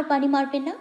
পানি মারবেন না?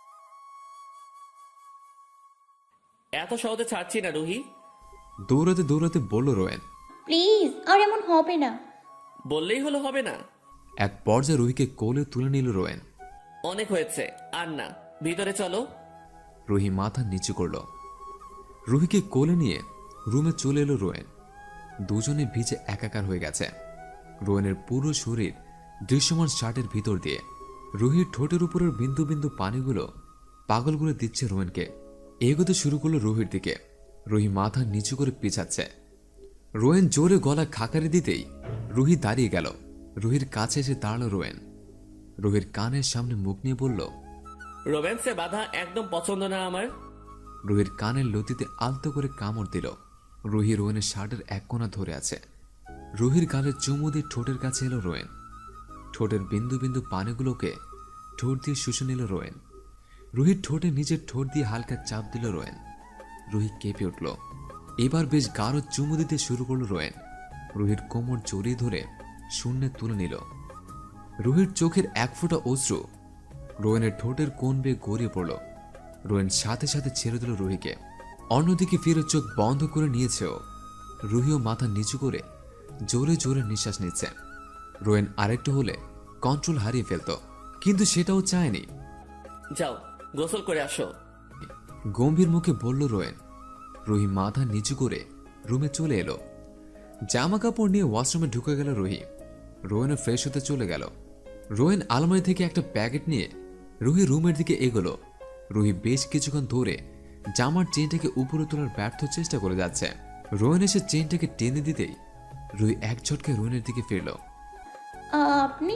এত সহজে ছাড়ছি না রুহি। দৌড়াতে দৌড়াতে বলল রোয়েন। প্লিজ, আর এমন হবে না। বললেই হলো হবে না? এক পর্যায়ে রুহিকে কোলে তুলে নিল রোয়েন। অনেক হয়েছে, আর না, ভিতরে চলো। রুহি মাথা নিচু করল। রুহিকে কোলে নিয়ে রুমে চলে এলো রোয়েন। দুজনে ভিজে একাকার হয়ে গেছে। রোয়েনের পুরো শরীর দৃশ্যমান শার্টের ভিতর দিয়ে। রুহির ঠোঁটের উপরের বিন্দু বিন্দু পানিগুলো পাগল করে দিচ্ছে রোয়েনকে। এগোতে শুরু করলো রুহির দিকে। রুহি মাথা নিচু করে পিছাচ্ছে। রোয়েন জোরে গলা খাকারি দিতেই রুহি দাঁড়িয়ে গেল। রুহির কাছে এসে দাঁড়ালো রোয়েন। রুহির কানের সামনে মুখ নিয়ে বলল, রোম্যান্সে বাধা একদম পছন্দ না আমার। রুহির কানের লতিতে আলতো করে কামড় দিল। রুহি রোয়েনের শার্টের এক কোণা ধরে আছে। রুহির গালে চুমু দিয়ে ঠোঁটের কাছে এলো রোয়েন। ঠোঁটের বিন্দু বিন্দু পানিগুলোকে ঠোঁট দিয়ে শুষে নিল রোয়েন। রুহির ঠোঁটে নিজের ঠোঁট দিয়ে হালকা চাপ দিল রোয়েন। রুহি কেঁপে উঠল। এবার বেশ গাঢ় চুমু দিতে শুরু করল রোয়েন। রুহির কোমর জড়িয়ে ধরে শূন্যে তুলে নিল। রুহির চোখের এক ফোঁটা অশ্রু রোয়েনের ঠোঁটের কোণ বেয়ে গড়িয়ে পড়ল। রোয়েন সাথে সাথে ছেড়ে দিল রুহিকে। অন্যদিকে ফিরে চোখ বন্ধ করে নিয়েছেও। রুহিও মাথা নিচু করে জোরে জোরে নিঃশ্বাস নিচ্ছে। রোয়েন আরেকটু হলে কন্ট্রোল হারিয়ে ফেলত, কিন্তু সেটাও চায়নি। যাও, গোসল করে আসো। গম্ভীর মুখে বলল রোয়েন। রুহি মাথা নিচু করে রুমে চলে এলো। জামা কাপড় নিয়ে ওয়াশরুমে ঢুকে গেল রুহি। রোয়েনও ফ্রেশ হতে চলে গেল। রোয়েন আলমারি থেকে একটা প্যাকেট নিয়ে রুহি রুমের দিকে এগোলো। রুহি বেশ কিছুক্ষণ ধরে জামার চেনটাকে উপরে তোলার ব্যর্থ চেষ্টা করে যাচ্ছে। রোয়েন এসে চেনটাকে টেনে দিতেই রুহি এক ঝটকে রোয়েনের দিকে ফিরল। আপনি?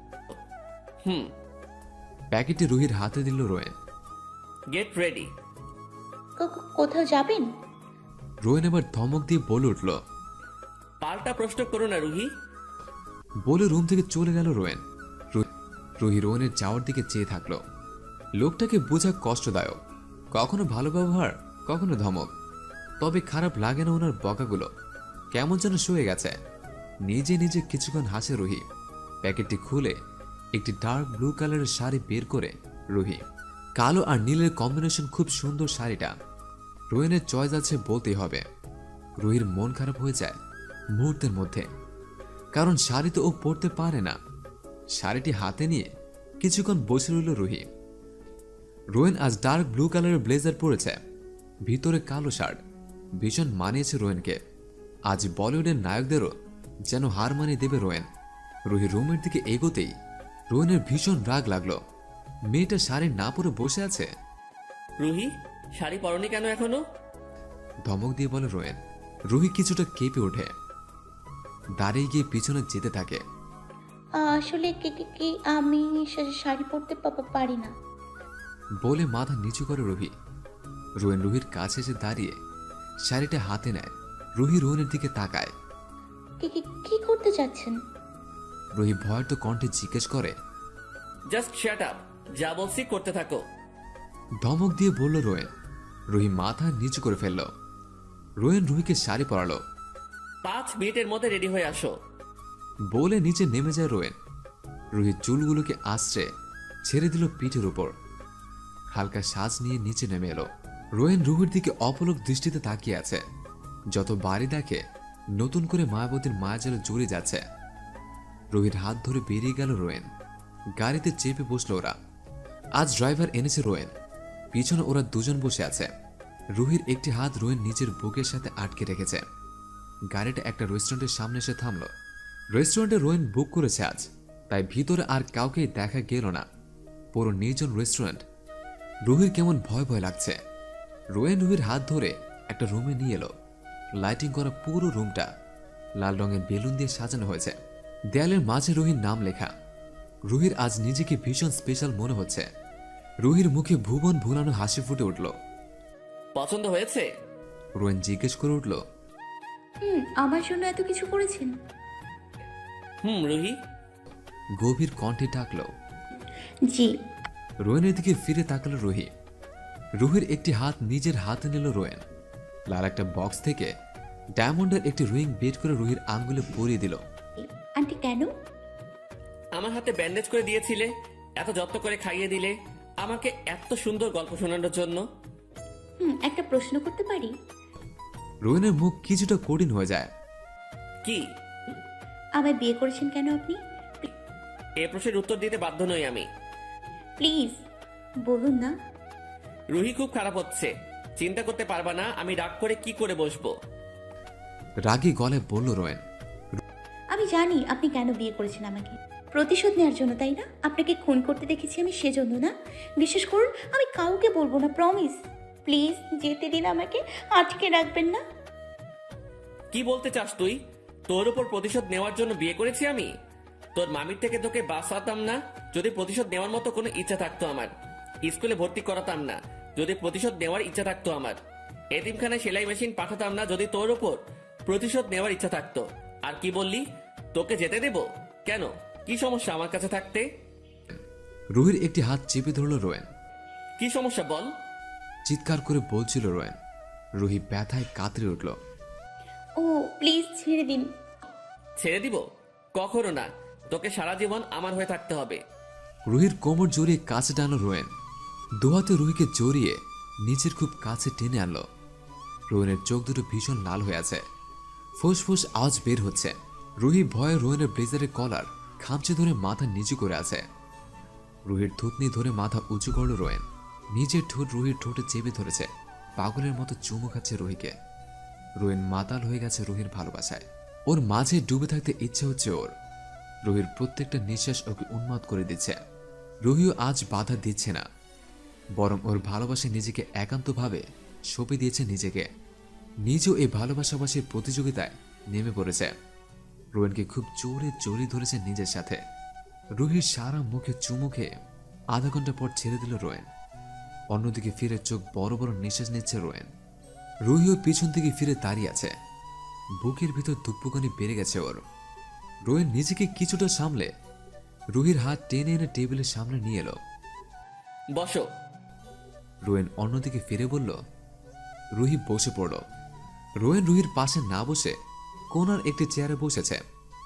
হুম। প্যাকেটটি রুহির হাতে দিল রোয়েন। Get ready. কোথাও যাবেন? রোয়েন এবার ধমক দিয়ে বলে উঠল। পাল্টা প্রশ্ন করো না রুহি। বলে রুম থেকে চলে গেল রোয়েন। রুহি রোয়েনের যাওয়ার দিকে চেয়ে থাকলো। লোকটাকে বোঝা কষ্টদায়ক, কখনো ভালো ব্যবহার, কখনো ধমক। তবে খারাপ লাগে না ওনার বকাগুলো। কেমন যেন শুয়ে গেছে। নিজে নিজে কিছুক্ষণ হাসে রুহি। প্যাকেটটি খুলে একটি ডার্ক ব্লু কালারের শাড়ি বের করে রুহি। কালো আর নীলের কম্বিনেশন খুব সুন্দর শাড়িটা। রোয়েনের চয়েস আছে বলতেই হবে। রুহির মন খারাপ হয়ে যায় মুহূর্তের মধ্যে, কারণ শাড়ি তো ও পরতে পারে না। শাড়িটি হাতে নিয়ে কিছুক্ষণ বসে রইল রুহি। রোয়েন আজ ডার্ক ব্লু কালারের ব্লেজার পরেছে, ভিতরে কালো শার্ট। ভীষণ মানিয়েছে রোয়েনকে। আজ বলিউডের নায়কদেরও যেন হার মানিয়ে দেবে রোয়েন। রুহি রুমের দিকে এগোতেই রোয়েনের ভীষণ রাগ লাগলো। মেয়েটা শাড়ি না পরে বসে আছে। রুহি, শাড়ি পরনি কেন এখনো? ধমক দিয়ে বলে রোয়েন। রুহি কিছুটা কেঁপে ওঠে, দাঁড়িয়ে গিয়ে পিছনে যেতে থাকে। আসলে কি আমি শাড়ি পরতে পারি না। বলে মাথা নিচু করে রুহি। রোয়েন রুহির কাছে এসে দাঁড়িয়ে শাড়িটা হাতে নেয়। রুহি রোয়েনের দিকে তাকায়। কি করতে চাচ্ছেন? রুহি ভয়ার্ত কণ্ঠে জিজ্ঞেস করে। জাস্ট শাট আপ, যা বলছি করতে থাকো। ধমক দিয়ে বলল রোয়েন। রুহি মাথা নিচু করে ফেলল। রোয়েন রুহিকে শাড়ি পরালো। 5 মিনিটের মধ্যে রেডি হয়ে আসো। বলে নিচে নেমে যায় রোয়েন। রুহির চুলগুলোকে আশ্রে ছেড়ে দিল পিঠের উপর। হালকা সাজ নিয়ে নিচে নেমে এলো। রোয়েন রুহির দিকে অপলক দৃষ্টিতে তাকিয়ে আছে। যত বাড়ি দেখে নতুন করে মায়াবতীর মায়াজালে জড়িয়ে যাচ্ছে। রুহির হাত ধরে বেরিয়ে গেল রোয়েন। গাড়িতে চেপে বসলো ওরা। আজ ড্রাইভার এনেছে রোয়েন। পিছনে ওরা দুজন বসে আছে। রুহির একটি হাত রোয়েন নিজের বুকের সাথে আটকে রেখেছে। গাড়িটা একটা রেস্টুরেন্টের সামনে এসে থামলো। রেস্টুরেন্টে রোয়েন বুক করেছে আজ, তাই ভিতরে আর কাউকেই দেখা গেল না। পুরো নির্জন রেস্টুরেন্ট। রুহির কেমন ভয় ভয় লাগছে। রোয়েন রুহির হাত ধরে একটা রুমে নিয়ে এলো। লাইটিং করা পুরো রুমটা লাল রঙের বেলুন দিয়ে সাজানো হয়েছে। দেয়ালের মাঝে রুহির নাম লেখা। রুহির আজ নিজেকে ভীষণ স্পেশাল মনে হচ্ছে। রুহির মুখে ভুবন ভুলানো হাসি ফুটে উঠল। পছন্দ হয়েছে? রোয়েন জিজ্ঞেস করে উঠল। আমার জন্য এত কিছু করেছেন? রুহি গভীর কণ্ঠে ডাকল। জি। রোয়েনের দিকে ফিরে তাকালো রুহি। রুহির একটি হাত নিজের হাতে নিল রোয়েন। লাল একটা বক্স থেকে ডায়মন্ডের একটি রিং বের করে রুহির আঙ্গুলে পরিয়ে দিল। আন্টি কেন? আমার হাতে ব্যান্ডেজ করে দিয়েছিলে, এত যত্ন করে খাইয়ে দিলে আমাকে এত সুন্দর গল্প শোনানোর জন্য। একটা প্রশ্ন করতে পারি? রোয়েনের মুখ কিছুটা কঠিন হয়ে যায়। কি? আমায় বিয়ে করেছেন কেন আপনি? এ প্রশ্নের উত্তর দিতে বাধ্য নই আমি। প্লিজ বলুন না। রুহি খুব খারাপ হচ্ছে, চিন্তা করতে পারবা না আমি রাগ করে কি করে বসবো। রাগী গলায় বলল রোয়েন। আমি জানি আপনি কেন বিয়ে করেছেন আমাকে, প্রতিশোধ নেওয়ার জন্য, তাই না? আপনাকে খুন করতে দেখেছি আমি সেজন্য না। বিশ্বাস করুন আমি কাউকে বলবো না, প্রমিস। প্লিজ যেতে দিন আমাকে, আটকে রাখবেন না। কি বলতে চাস তুই? তোর উপর প্রতিশোধ নেওয়ার জন্য বিয়ে করেছি আমি? তোর মামির থেকে তোকে বাঁচাতাম না যদি প্রতিশোধ নেওয়ার মতো কোনো ইচ্ছা থাকতো আমার। স্কুলে ভর্তি করাতাম না যদি প্রতিশোধ নেওয়ার ইচ্ছা থাকতো আমার। এতিমখানায় সেলাই মেশিন পাঠাতাম না যদি তোর উপর প্রতিশোধ নেওয়ার ইচ্ছা থাকতো। আর কি বললি? তোকে যেতে দেব কেন? কি সমস্যা আমার কাছে থাকতে? রুহির একটি হাত চেপে ধরল রোয়েন। কি সমস্যা বল? চিৎকার করে বলছিল রোয়েন। রুহি ব্যথায় কাতরে উঠল। ও প্লিজ ছেড়ে দিন। ছেড়ে দিব? কখনো না, তোকে সারা জীবন আমার হয়ে থাকতে হবে। রুহির কোমর জড়িয়ে কাছে টানল রোয়েন। দুহাতে রুহিকে জড়িয়ে নিচের খুব কাছে টেনে আনলো। রোয়েনের চোখ দুটো ভীষণ লাল হয়ে আছে, ফুসফুস আওয়াজ বের হচ্ছে। রুহি ভয়ে রোয়েনের ব্লেজারের কলার খামচে ধরে মাথা নিচু করে আছে। রুহির থুতনি ধরে মাথা উঁচু করল রোয়েন। নিজের ঠোঁট রুহির ঠোঁটে চেপে ধরেছে, পাগলের মতো চুমু খাচ্ছে রুহিকে। রোয়েন মাতাল হয়ে গেছে রুহির ভালোবাসায়। ওর মাঝে ডুবে থাকতে ইচ্ছে হচ্ছে ওর। রুহির প্রত্যেকটা নিঃশ্বাস ওকে উন্মাদ করে দিচ্ছে। রুহিও আজ বাধা দিচ্ছে না, বরং ওর ভালোবাসায় নিজেকে একান্তভাবে সঁপে দিয়েছে নিজেকে। নিজেও এই ভালোবাসাবাসীর প্রতিযোগিতায় নেমে পড়েছে। রোয়েনকে খুব জোরে জড়িয়ে ধরেছে নিজের সাথে। রুহির সারা মুখে চুমু খেয়ে আধা ঘন্টা পর ছেড়ে দিল রোয়েন। অন্যদিকে ফিরে চোখ বড় বড় নিঃশ্বাস নিচ্ছে রোয়েন। রুহিও পিছন থেকে ফিরে দাঁড়িয়ে আছে। বুকের ভিতর ধুকপুকানি বেড়ে গেছে ওর। রোয়েন নিজেকে কিছুটা সামলে রুহির হাত টেনে এনে টেবিলের সামনে নিয়ে এলো। বসো। রোয়েন অন্যদিকে ফিরে বলল। রুহি বসে পড়ল। রোয়েন রুহির পাশে না বসে কোনার একটি চেয়ারে বসেছে।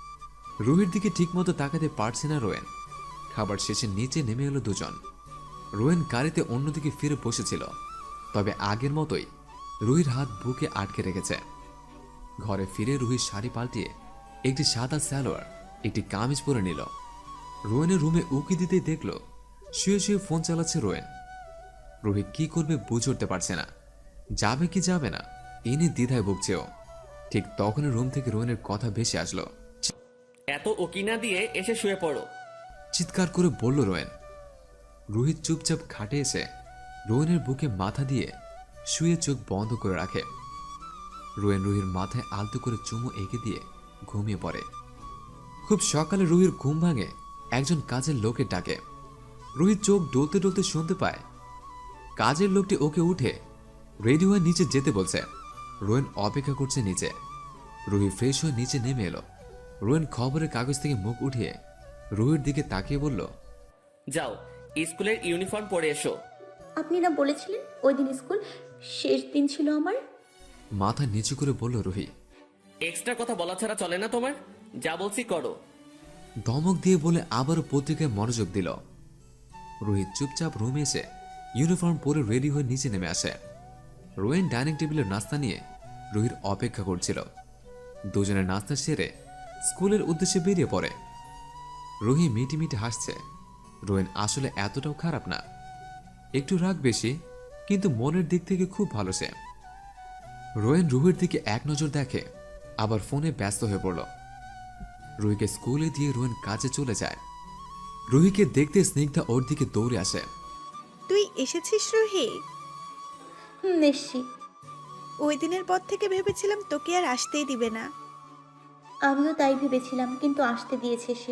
রুহির দিকে ঠিকমতো তাকাতে পারছে না রোয়েন। খাবার শেষে নিচে নেমে এলো দুজন। রোয়েন গাড়িতে অন্যদিকে ফিরে বসেছিল, তবে আগের মতোই রুহির হাত বুকে আটকে রেখেছে। ঘরে ফিরে রুহির শাড়ি পাল্টিয়ে একটি সাদা সালোয়ার একটি কামিজ পরে নিল। রোয়েনের রুমে উকি দিতেই দেখল শুয়ে শুয়ে ফোন চালাচ্ছে রোয়েন। রুহি কি করবে বুঝে উঠতে পারছে না, যাবে কি যাবে না এ নিয়ে দ্বিধায় ভুগছে ও। ঠিক তখনই রুম থেকে রোয়েনের কথা ভেসে আসলো। এত ওকিনা দিয়ে এসে শুয়ে পড়ো। চিৎকার করে বলল রোয়েন। রোহিত চুপচাপ খাটে এসে রোয়েনের বুকে মাথা দিয়ে শুয়ে চোখ বন্ধ করে রাখে। রোয়েন রুহির মাথায় আলতো করে চুমু এঁকে দিয়ে ঘুমিয়ে পড়ে। খুব সকালে রুহির ঘুম ভাঙে একজন কাজের লোকের ডাকে। রুহির চোখ ডলতে ডলতে শুনতে পায় কাজের লোকটি ওকে উঠে রেডি হয়ে নিচে যেতে বলছে। রোয়েন অপেক্ষা করছে নিচে। রুহি ফ্রেশ হয়ে নিচে নেমে এলো। রোয়েন খবরের কাগজ থেকে মুখ উঠিয়ে রুহির দিকে তাকিয়ে বলল, যাও স্কুলের ইউনিফর্ম পরে এসো। আপনি না বলেছিলেন ওই দিন স্কুল শেষ দিন ছিল আমার? মাথা নিচু করে বলল রুহি। এক্সট্রা কথা বলা ছাড়া চলে না তোমার? যা বলছি করো। ধমক দিয়ে বলে আবারও পত্রিকায় মনোযোগ দিল। রোহিত চুপচাপ রুমে এসে ইউনিফর্ম পরে রেডি হয়ে নিচে নেমে আসে। রোয়েন ডাইনিং টেবিলের নাস্তা নিয়ে রুহির অপেক্ষা করছিল। দুজনের নাস্তা সেরে স্কুলের উদ্দেশ্যে বেরিয়ে পড়ে। রুহি মিটি মিটি হাসছে। রোয়েন আসলে এতটাও খারাপ না, একটু রাগ বেশি, কিন্তু মনের দিক থেকে খুব ভালো সে। রোয়েন রুহির দিকে এক নজর দেখে, আবার ফোনে ব্যস্ত হয়ে পড়ল। রুহিকে স্কুলে দিয়ে রোয়েন কাজে চলে যায়। রুহিকে দেখতে স্নিগ্ধা ওর দিকে দৌড়ে আসে। তুই এসেছিস রুহি? এসছি। ওই দিনের পর থেকে ভেবেছিলাম তোকে আর আসতেই দিবে না। আমিও তাই ভেবেছিলাম, কিন্তু আসতে দিয়েছে সে।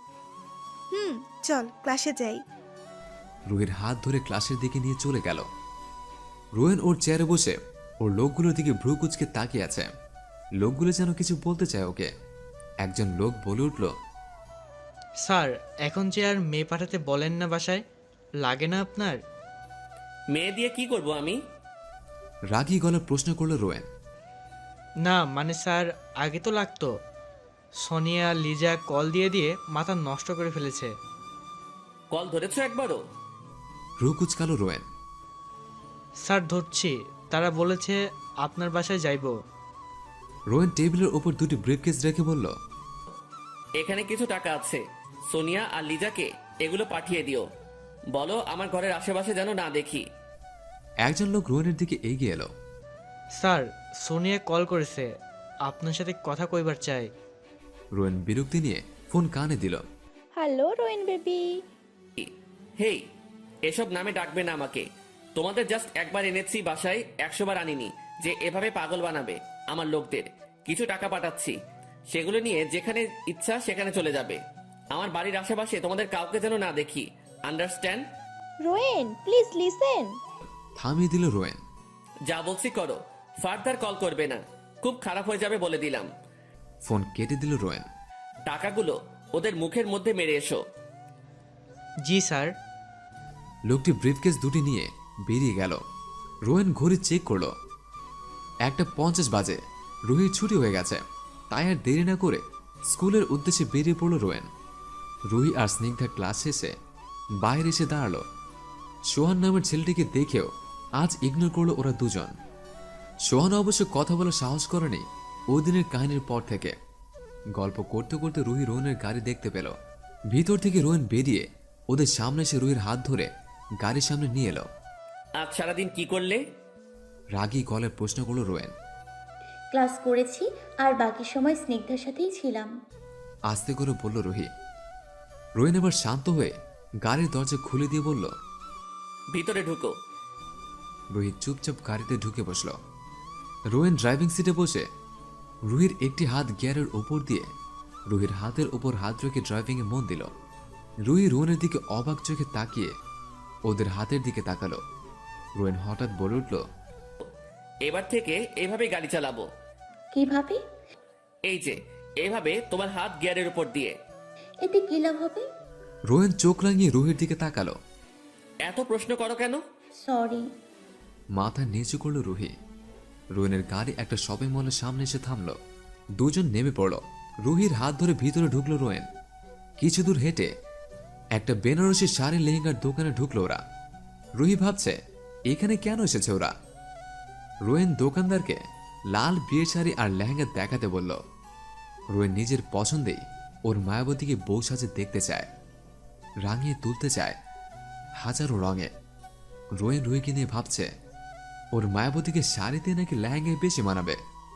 চল ক্লাসে যাই। রুহির হাত ধরে ক্লাসের দিকে নিয়ে চলে গেল। রোয়েন ওর চেয়ারে বসে ওর লোকগুলোর দিকে ভ্রু কুচকে তাকিয়ে আছে। লোকগুলো যেন কিছু বলতে চায় ওকে। একজন লোক বলে উঠল, স্যার এখন যে আর মেয়ে পাঠাতে বলেন না বাসায়, লাগে না আপনার? মেয়ে দিয়ে কি করব আমি? রাগী গলা প্রশ্ন করল রোয়েন। না মানে স্যার আগে তো লাগতো। সোনিয়া লিজা কল দিয়ে দিয়ে মাথা নষ্ট করে ফেলেছে। কল ধরেছো একবারও? রুহ কুচকালো রোয়েন। স্যার ধরছি, তারা বলেছে আপনার বাসায় যাইব। রোয়েন টেবিলের ওপর দুটি ব্রিফকেস রেখে বলল, এখানে কিছু টাকা আছে, সোনিয়া আর লিজাকে এগুলো পাঠিয়ে দিও। বলো আমার ঘরের আশেপাশে যেন না দেখি। একজন লোক রোয়েনের দিকে এগিয়ে এলো। স্যার, সোনিয়া কল করেছে, আপনার সাথে কথা কইবার চাই। রোয়েন বিরক্তি নিয়ে ফোন কানে দিল। Hello রোয়েন baby. হেই, এসব নামে ডাকবে না আমাকে। তোমাদের জাস্ট একবার এনেছি বাসায়, 100 বার আনিনি যে এভাবে পাগল বানাবে আমার লোকদের। কিছু টাকা পাঠাচ্ছি, সেগুলো নিয়ে যেখানে ইচ্ছা সেখানে চলে যাবে। আমার বাড়ির আশেপাশে তোমাদের কাউকে যেন না দেখি, আন্ডারস্ট্যান্ড? রোয়েন please listen. থামিয়ে দিল রোয়েন। যা বলছি করো, ফার্দার কল করবে না, খুব খারাপ হয়ে যাবে বলে দিলাম। ফোন কেটে দিল রোয়েন। টাকাগুলো ওদের মুখের মধ্যে মেরে এসো। জি স্যার। লোকটি ব্রিফকেস দুটি নিয়ে বেরিয়ে গেল। রোয়েন ঘড়ি চেক করলো, 1:50 বাজে। রুহির ছুটি হয়ে গেছে, তাই আর দেরি না করে স্কুলের উদ্দেশ্যে বেরিয়ে পড়ল রোয়েন। রুহি আর স্নিগ্ধা ক্লাস শেষে বাইরে এসে দাঁড়ালো। সোহান নামের ছেলেটিকে দেখেও আজ ইগনোর করলো ওরা দুজন। সোহান অবশ্য কথা বলার সাহস করেনি ওই দিনের কাহিনীর পর থেকে। গল্প করতে করতে রুহি রোয়েনের গাড়ি দেখতে পেল। ভিতর থেকে রোয়েন বেরিয়ে ওদের সামনে এসে রুহির হাত ধরে গাড়ির সামনে নিয়ে এলো। আজ সারাদিন কি করলে? রাগী গলায় প্রশ্ন করলো রোয়েন। ক্লাস করেছি আর বাকি সময় স্নিগ্ধার সাথেই ছিলাম। আস্তে করে বলল রুহি। রোয়েন এবার শান্ত হয়ে গাড়ির দরজা খুলে দিয়ে বলল, ভিতরে ঢুকো। রুহি চুপচাপ গাড়িতে ঢুকে বসল। রোয়েন ড্রাইভিং সিটে বসে রুহির একটি হাত গিয়ারের ওপর দিয়ে রুহির হাতের ওপর হাত রেখে ড্রাইভিংয়ে মন দিল। রুহি রোয়েনের দিকে অবাক চোখে তাকিয়ে ওদের হাতের দিকে তাকালো। রোয়েন হঠাৎ বলে উঠল, এবার থেকে এভাবে গাড়ি চালাবো। কিভাবে? এই যে এভাবে, তোমার হাত গিয়ারের উপর দিয়ে। এতে কি লাভ হবে? রোয়েন চোখ রাঙিয়ে রুহির দিকে তাকালো। এত প্রশ্ন করো কেন? সরি। মাথা নিচু করল রুহি। রোয়েনের গাড়ি একটা শপিং মলের সামনে এসে থামল। দুজন নেমে পড়ল। রুহির হাত ধরে ভিতরে ঢুকলো রোয়েন। কিছু দূর হেঁটে একটা বেনারসি শাড়ি লেহেঙ্গার দোকানে ঢুকলো ওরা। রুহি ভাবছে এখানে কেন এসেছে ওরা। রোয়েন দোকানদারকে লাল বিয়ের শাড়ি আর লেহেঙ্গা দেখাতে বলল। রোয়েন নিজের পছন্দেই ওর মায়াবতীকে বউ সাজে দেখতে চায়, রাঙিয়ে তুলতে চায় হাজারো রঙে। রোয়েন রুহিকে নিয়ে ভাবছে ওর মায়াবতীকে শাড়িতে নাকি লেহেঙ্গায় বেশি মানাবে।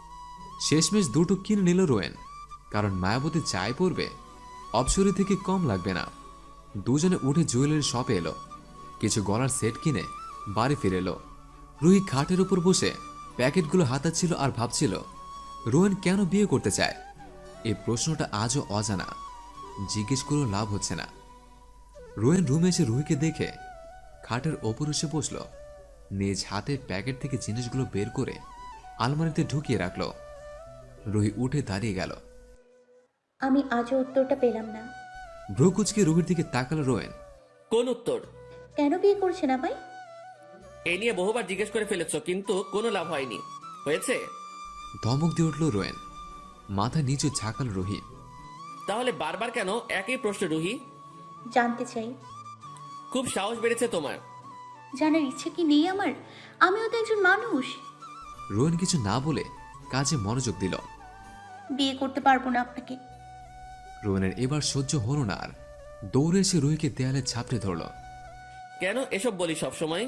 শেষমেশ দুটো কিনে নিল রোয়েন, কারণ মায়াবতী চাই পড়বে অপসরি থেকে কম লাগবে না। দুজনে উঠে জুয়েলারি শপে এলো। কিছু গলার সেট কিনে বাড়ি ফিরে এলো। রুহি খাটের উপর বসে প্যাকেটগুলো হাতাচ্ছিল আর ভাবছিল রোয়েন কেন বিয়ে করতে চায়। এই প্রশ্নটা আজও অজানা, জিজ্ঞেস করেও লাভ হচ্ছে না। রোয়েন রুমে এসে রুহিকে দেখে খাটের ওপর এসে বসল। নিজ হাতে প্যাকেট থেকে জিনিসগুলো বের করে আলমারিতে ঢুকিয়ে রাখল। রুহি উঠে দাঁড়িয়ে গেল। আমি আজও উত্তরটা পেলাম না। ভ্রু কুঁচকে রুহির দিকে তাকালো রোয়েন। কোন উত্তর? কেন বিয়ে করছেন আমায়? এ নিয়ে বহুবার জিজ্ঞেস করে ফেলেছো, কিন্তু কোনো লাভ হয়নি। হয়েছে? ধমক দিয়ে উঠল রোয়েন। মাথা নিচু ঝাঁকাল রুহি। তাহলে বারবার কেন একই প্রশ্ন রুহি? জানতে চাই। খুব সাহস বেড়েছে তোমার। জানার ইচ্ছে কি নেই আমার? আমিও তো একজন মানুষ। রোয়েন কিছু না বলে কাজে মনোযোগ দিল। বিয়ে করতে পারবো না আপনাকে। রোয়েনের এবার সহ্য হলো না আর। দৌড়ে এসে রুহিকে দেয়ালে ঝাপটে ধরল। কেন এসব বলি সব সময়?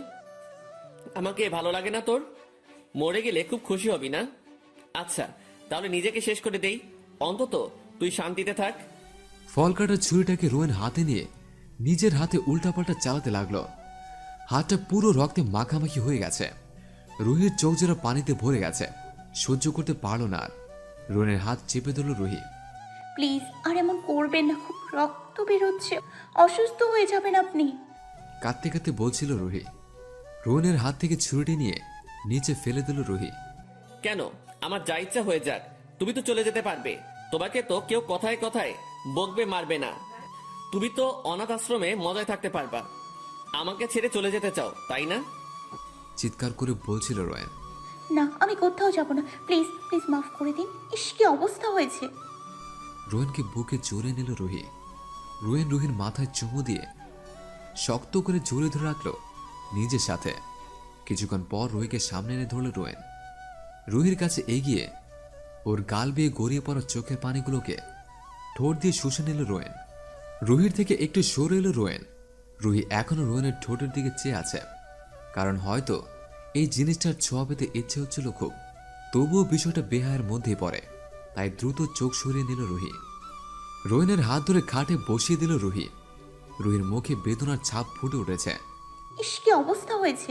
আমাকে ভালো লাগে না তোর? মরে গেলে খুব খুশি হবি না? আচ্ছা, তাহলে নিজেকে শেষ করে দেই, অন্তত তুই শান্তিতে থাক। ফল কাটার ছুরিটাকে রোয়েন হাতে নিয়ে নিজের হাতে উল্টাপাল্টা চালাতে লাগলো। হাতটা পুরো রক্তে মাখামাখি হয়ে গেছে। রুহির চোখ জোড়া পানিতে ভরে গেছে, সহ্য করতে পারল না আর। রোয়েনের হাত চেপে ধরল রুহি। প্লিজ আর এমন করবেন না, খুব রক্ত বেরোচ্ছে, অসুস্থ হয়ে যাবেন আপনি। কাঁদতে কাঁদতে বলছিল রুহি। রোয়েনের হাত থেকে ছুরিটি নিয়ে নিচে ফেলে দিল রুহি। কেন? আমার যা ইচ্ছা হয়ে যাক, তুমি তো চলে যেতে পারবে। তোমাকে তো কেউ কথায় কথায় বকবে, মারবে না। তুমি তো অনাথ আশ্রমে মজায় থাকতে পারবা। আমাকে ছেড়ে চলে যেতে চাও, তাই না? চিৎকার করে বলছিল রোয়েন। না, আমি কোথাও যাব না, প্লিজ প্লিজ মাফ করে দিন। ইস, কি অবস্থা হয়েছে। রোয়েনকে বুকে জড়িয়ে নিল রুহি। রোয়েন রুহির মাথায় চুমু দিয়ে শক্ত করে জড়িয়ে ধরে রাখলো নিজের সাথে। কিছুক্ষণ পর রুহিকে সামনে এনে ধরল রোয়েন। রুহির কাছে এগিয়ে ওর গাল বেয়ে গড়িয়ে পড়া চোখের পানিগুলোকে ঠোঁট দিয়ে শুষে নিল রোয়েন। রুহির থেকে একটু সরে এলো রোয়েন। রুহি এখনো রোয়েনের ঠোঁটের দিকে চেয়ে আছে, কারণ হয়তো এই জিনিসটার ছোঁয়া পেতে ইচ্ছে হচ্ছিল খুব। তবুও বিষয়টা বেহায়ের মধ্যেই পড়ে, তাই দ্রুত চোখ সরিয়ে নিল রুহি। রোয়েনের হাত ধরে খাটে বসিয়ে দিল রুহি। রুহির মুখে বেদনার ছাপ ফুটে উঠেছে। ইস, কি অবস্থা হয়েছে!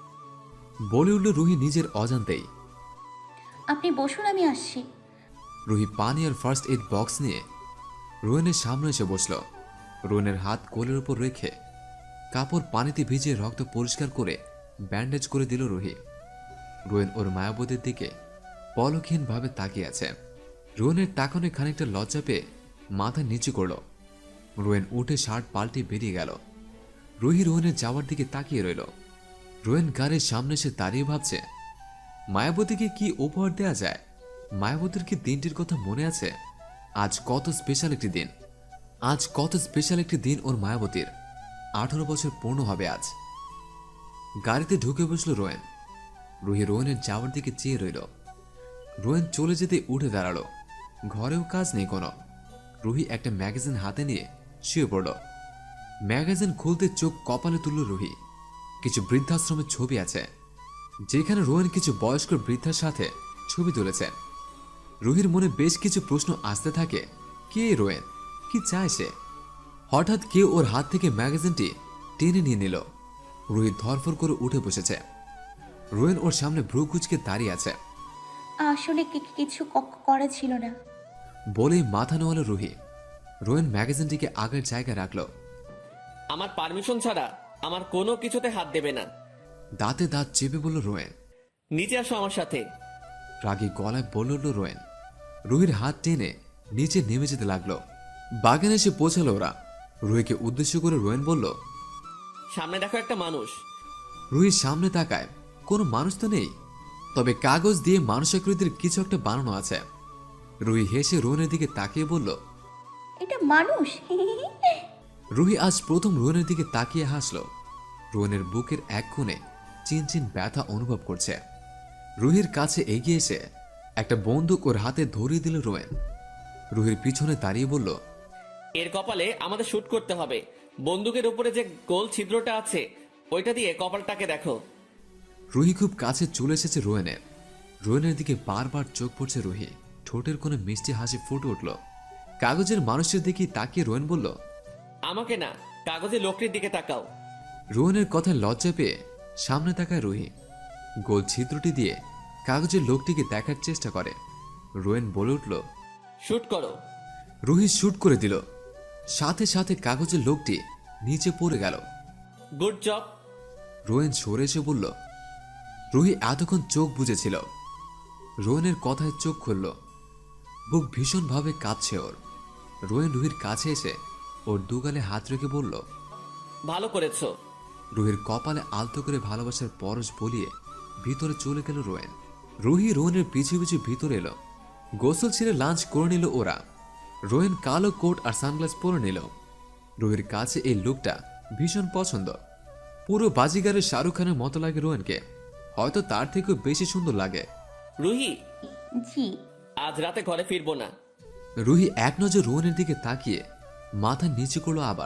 বলে উঠল রুহি নিজের অজান্তেই। আপনি বসুন, আমি আসছি। রুহি পানি আর ফার্স্ট এড বক্স নিয়ে রোয়েনের সামনে এসে বসল। রোয়েনের হাত কোলের উপর রেখে কাপড় পানিতে ভিজিয়ে রক্ত পরিষ্কার করে ব্যান্ডেজ করে দিল রুহি। রোয়েন ওর মায়াবতীর দিকে পলকহীনভাবে তাকিয়ে আছে। রোয়েনের তাকানে খানিকটা লজ্জা পেয়ে মাথা নিচু করল। রোয়েন উঠে শার্ট পাল্টে বেরিয়ে গেল। রুহি রোয়েনের যাওয়ার দিকে তাকিয়ে রইল। রোয়েন গাড়ির সামনে এসে দাঁড়িয়ে ভাবছে, মায়াবতীকে কি উপহার দেয়া যায়। মায়াবতীর কি দিনটির কথা মনে আছে? আজ কত স্পেশাল একটি দিন। আজ কত স্পেশাল একটি দিন ওর মায়াবতীর। 18 বছর পূর্ণ হবে আজ। গাড়িতে ঢুকে বসল রোয়েন। রুহি রোয়েনের যাওয়ার দিকে চেয়ে রইল। রোয়েন চলে যেতে উঠে দাঁড়ালো। ঘরেও কাজ নেই কোনো। রুহি একটা ম্যাগাজিন হাতে নিয়ে শুয়ে পড়ল। ম্যাগাজিন খুলতে চোখ কপালে তুলল রুহি। কিছু বৃদ্ধাশ্রমের ছবি আছে, যেখানে রোয়েন কিছু বয়স্ক বৃদ্ধার সাথে ছবি তুলেছে। রুহির মনে বেশ কিছু প্রশ্ন আসতে থাকে। কে রোয়েন? কি চায় সে? হঠাৎ কেউ ওর হাত থেকে ম্যাগাজিনটি টেনে নিয়ে নিল। রুহি ধরফর করে উঠে বসেছে। রোয়েন ওর সামনে ভ্রু কুঁচকে দাঁড়িয়ে আছে। আসলে কিছু করা ছিল না। বলেই মাথা নোয়ালো রুহি। রোয়েন ম্যাগাজিনটিকে আগের জায়গায় রাখল। আমার পারমিশন ছাড়া আমার কোনো কিছুতে হাত দেবে না। দাঁতে দাঁত চেপে বলল রোয়েন। নিচে আসো আমার সাথে। রাগী গলায় বলল রোয়েন। রুহির হাত টেনে নিচে নেমে যেতে লাগলো। বাগানে এসে পৌঁছালো ওরা। রুহিকে উদ্দেশ্য করে রোয়েন বলল, সামনে দেখো একটা মানুষ। রুহির সামনে তাকায়। কোনো মানুষ তো নেই, তবে কাগজ দিয়ে মানুষাকৃতির কিছু একটা বানানো আছে। রুহি হেসে রোয়েনের দিকে তাকিয়ে বলল, এটা মানুষ? রুহি আজ প্রথম রোয়েনের দিকে তাকিয়ে হাসল। রোয়েনের বুকের এক কোণে চিনচিন ব্যথা অনুভব করছে। রুহির কাছে এগিয়ে এসে একটা বন্দুক ওর হাতে ধরিয়ে দিল রোয়েন। রুহির পিছনে দাঁড়িয়ে বলল, এর কপালে আমাদের শুট করতে হবে। বন্দুকের উপরে যে গোল ছিদ্রটা আছে ওইটা দিয়ে কপালটাকে দেখো। রুহি খুব কাছে চলে এসেছে রোয়েনের। রোয়েনের দিকে বারবার চোখ পড়ছে রুহি। ঠোঁটের কোণে মিষ্টি হাসি ফুটে উঠল। কাগজের মানুষের দিকে তাকিয়ে রোয়েন বলল, আমাকে না, কাগজে লোকটির দিকে তাকাও। রোয়েনের কথায় লজ্জা পেয়ে সামনে তাকায় রুহি। গোল ছিদ্রটি দিয়ে কাগজের লোকটিকে দেখার চেষ্টা করে। রোয়েন বলে উঠল, শুট করো। রুহি শুট করে দিল। সাথে সাথে কাগজের লোকটি নিচে পড়ে গেল। Good job. রোয়েন সরে এসে বলল। রুহি এতক্ষণ চোখ বুজেছিল। রোয়েনের কথায় চোখ খুলল। বুক ভীষণভাবে কাঁপছে ওর। রোয়েন রুহির কাছে এসে ওর দুগালে হাত রেখে বলল, ভালো করেছো। রুহির কপালে আলতো করে ভালোবাসার পরশ বলিয়ে ভিতরে চলে গেল রোয়েন। রুহি রোয়েনের পিছু পিছু ভিতরে এলো। গোসল ছেড়ে লাঞ্চ করে নিল ওরা। রোয়েন কালো কোট আর সানগ্লাস পরে নিল। রুহির কাছে এই লুকটা ভীষণ পছন্দ। পুরো বাজিগারের শাহরুখ খানের মতো লাগে রোয়েনকে। হয়তো তার থেকেও বেশি সুন্দর লাগে। রুহি, জি। আজ রাতে ঘরে ফিরবো না। রুহি এক নজর রোয়েনের দিকে তাকিয়ে মাথা নিচু করলো আবার।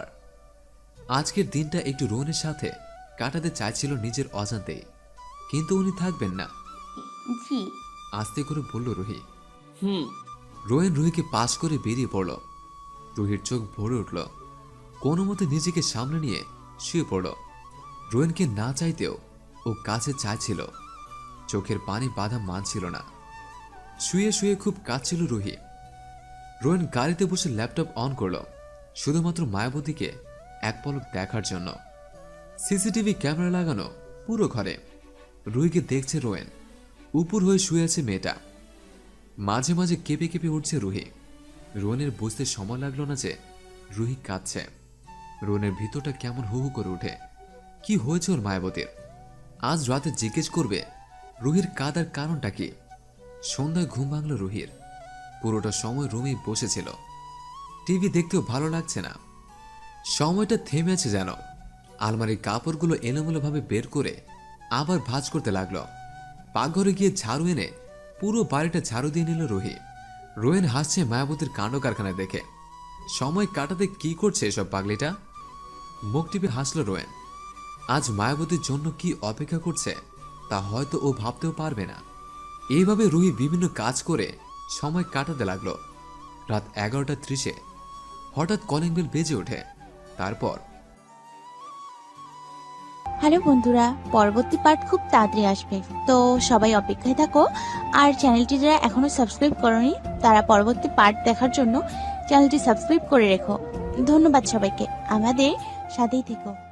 আজকের দিনটা একটু রোয়েনের সাথে কাটাতে চাইছিল নিজের অজান্তেই, কিন্তু উনি থাকবেন না। জি। আস্তে করে বলল রুহি। হুম। রোয়েন রুহিকে পাশ করে বেরিয়ে পড়ল। রুহির চোখ ভরে উঠল। কোনো মতে নিজেকে সামনে নিয়ে শুয়ে পড়ল। রোয়েনকে না চাইতেও ও কাছে চাইছিল। চোখের পানি বাধা মানছিল না। শুয়ে শুয়ে খুব কাঁদছিল রুহি। রোয়েন গাড়িতে বসে ল্যাপটপ অন করল, শুধুমাত্র মায়াবতীকে এক পলক দেখার জন্য। সিসিটিভি ক্যামেরা লাগানো পুরো ঘরে। রুহিকে দেখছে রোয়েন। উপর হয়ে শুয়ে আছে মেয়েটা। মাঝে মাঝে কেঁপে কেঁপে উঠছে রুহি। রোয়েনের বুঝতে সময় লাগলো না যে রুহি কাঁদছে। রোয়েনের ভিতরটা কেমন হু হু করে ওঠে। কি হয়েছে ওর মায়াবতীর? আজ রাতে জিজ্ঞেস করবে রুহির কাঁদার কারণটা কি। সন্ধ্যায় ঘুম ভাঙল রুহির। পুরোটা সময় রুমেই বসেছিল। টিভি দেখতেও ভালো লাগছে না। সময়টা থেমে আছে যেন। আলমারির কাপড়গুলো এলোমেলোভাবে বের করে আবার ভাঁজ করতে লাগলো। পাকঘরে গিয়ে ঝাড়ু এনে পুরো বাড়িটা ঝাড়ু দিয়ে নিল রুহি। রোয়েন হাসছে মায়াবতীর কাণ্ড কারখানা দেখে। সময় কাটাতে কি করছে এসব পাগলিটা? মুখ টিপে হাসল রোয়েন। আজ মায়াবতীর জন্য কি অপেক্ষা করছে তা হয়তো ও ভাবতেও পারবে না। এইভাবে রুহি বিভিন্ন কাজ করে সময় কাটাতে লাগলো। রাত 11:30 হঠাৎ কলিং বেল বেজে ওঠে। তারপর হ্যালো বন্ধুরা, পরবর্তী পার্ট খুব তাড়াতাড়ি আসবে, তো সবাই অপেক্ষায় থাকো। আর চ্যানেলটি যারা এখনো সাবস্ক্রাইব করনি তারা পরবর্তী পার্ট দেখার জন্য চ্যানেলটি সাবস্ক্রাইব করে রেখো। ধন্যবাদ সবাইকে, আমাদের সাথেই থেকো।